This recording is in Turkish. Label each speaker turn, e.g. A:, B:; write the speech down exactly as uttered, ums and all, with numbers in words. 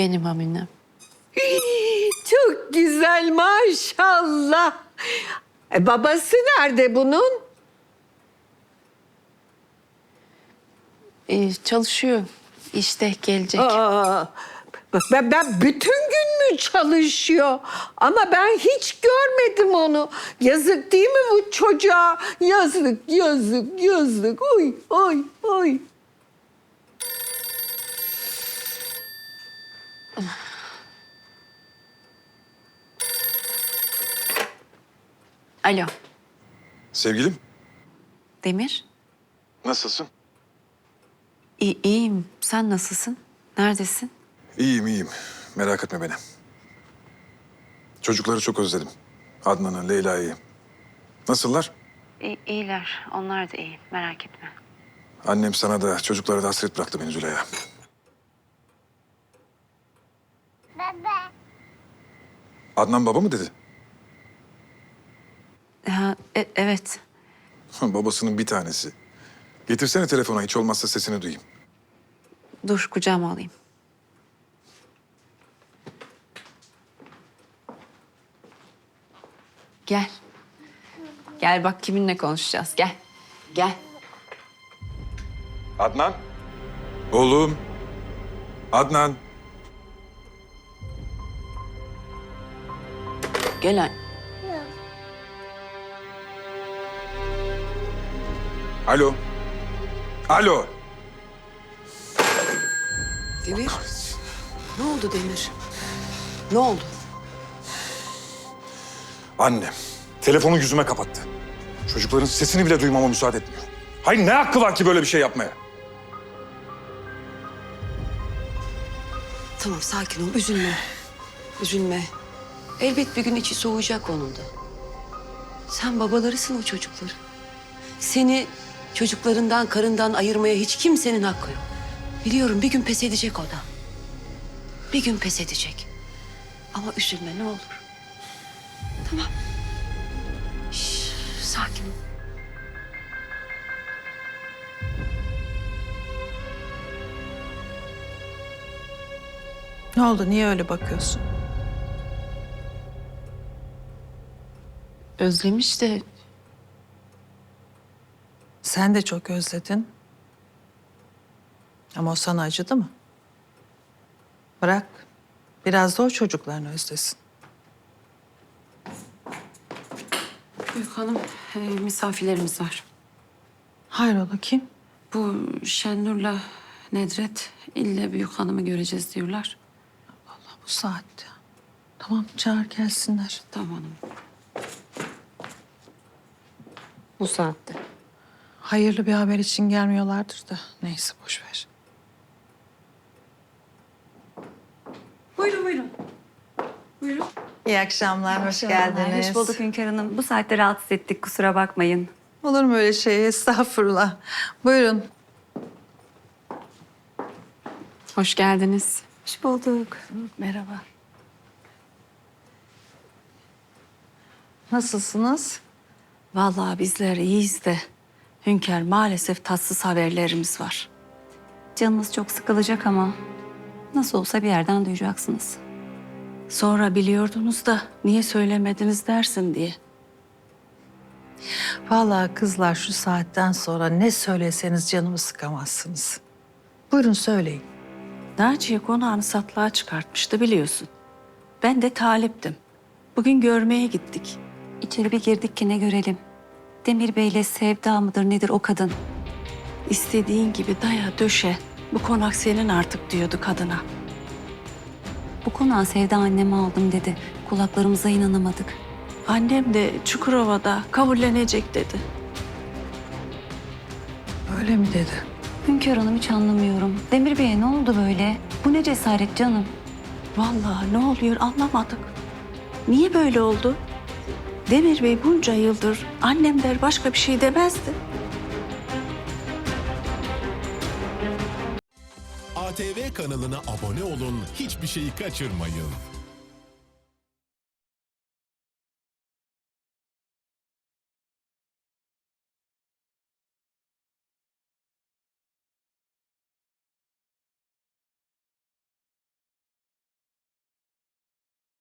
A: Benim Aminem.
B: Çok güzel maşallah. E, babası nerede bunun?
A: Ee, çalışıyor. İşte gelecek.
B: Aa, bak ben, ben bütün gün mü çalışıyor? Ama ben hiç görmedim onu. Yazık değil mi bu çocuğa? Yazık, yazık, yazık. Oy, oy, oy.
A: Alo.
C: Sevgilim,
A: Demir.
C: nasılsın?
A: İyi, iyiyim. Sen nasılsın? Neredesin?
C: İyiyim, iyiyim. Merak etme beni. Çocukları çok özledim. Adnan'ı, Leyla'yı. Nasıllar?
A: İyi, iyiler. Onlar da iyi. Merak etme.
C: Annem sana da çocuklara da hasret bıraktı beni Züleyha.
D: Baba.
C: Adnan baba mı dedi?
A: Ha, e- evet.
C: Babasının bir tanesi. Getirsene telefona, hiç olmazsa sesini duyayım.
A: Dur kucağıma alayım. Gel. Gel bak kiminle konuşacağız. Gel. Gel.
C: Adnan. Oğlum. Adnan.
A: Gel anne.
C: Alo. Alo.
B: Demir. Ne oldu Demir? Ne oldu?
C: Annem telefonu yüzüme kapattı. Çocukların sesini bile duymama müsaade etmiyor. Hayır, ne hakkı var ki böyle bir şey yapmaya?
E: Tamam, sakin ol, üzülme. Üzülme. Elbet bir gün içi soğuyacak onun da. Sen babalarısın o çocukların. Seni çocuklarından, karından ayırmaya hiç kimsenin hakkı yok. Biliyorum bir gün pes edecek o da. Bir gün pes edecek. Ama üzülme ne olur. Tamam. Şş, sakin ol.
F: Ne oldu? Niye öyle bakıyorsun?
A: Özlemiş de
F: Sen de çok özledin. Ama o sana acıdı mı? Bırak. Biraz da o çocuklarını özlesin.
A: Büyük hanım e, misafirlerimiz var.
F: Hayrola kim?
A: Bu Şenur'la Nedret ille büyük hanımı göreceğiz diyorlar.
F: Allah bu saatte. Tamam çağır gelsinler.
A: Tamam hanım.
B: Bu saatte.
F: Hayırlı bir haber için gelmiyorlardır da. Neyse boş ver.
G: Buyurun buyurun. Buyurun.
F: İyi akşamlar, hoş geldiniz.
G: Hoş bulduk Hünkar Hanım. Bu saatte rahatsız ettik, kusura bakmayın.
F: Olur mu öyle şey? Estağfurullah. Buyurun.
A: Hoş geldiniz.
G: Hoş bulduk.
A: Merhaba.
F: Nasılsınız?
A: Vallahi bizler iyiyiz de Hünkar maalesef tatsız haberlerimiz var.
G: Canınız çok sıkılacak ama nasıl olsa bir yerden duyacaksınız.
A: Sonra biliyordunuz da niye söylemediniz dersin diye.
F: Vallahi kızlar şu saatten sonra ne söyleseniz canımı sıkamazsınız. Buyurun söyleyin.
A: Naciye konağını satlığa çıkartmıştı biliyorsun. Ben de taliptim. Bugün görmeye gittik.
G: İçeri bir girdik ki ne görelim. Demir Bey'le Sevda mıdır nedir o kadın?
A: İstediğin gibi daya döşe. Bu konak senin artık diyordu kadına.
G: Bu konağı Sevda anneme aldım dedi. Kulaklarımıza inanamadık.
A: Annem de Çukurova'da kabullenecek dedi.
F: Öyle mi dedi?
G: Hünkar Hanım hiç anlamıyorum. Demir Bey'e ne oldu böyle? Bu ne cesaret canım?
A: Vallahi ne oluyor anlamadık. Niye böyle oldu? Demir Bey bunca yıldır annem der başka bir şey demezdi.
H: A T V kanalına abone olun, hiçbir şeyi kaçırmayın.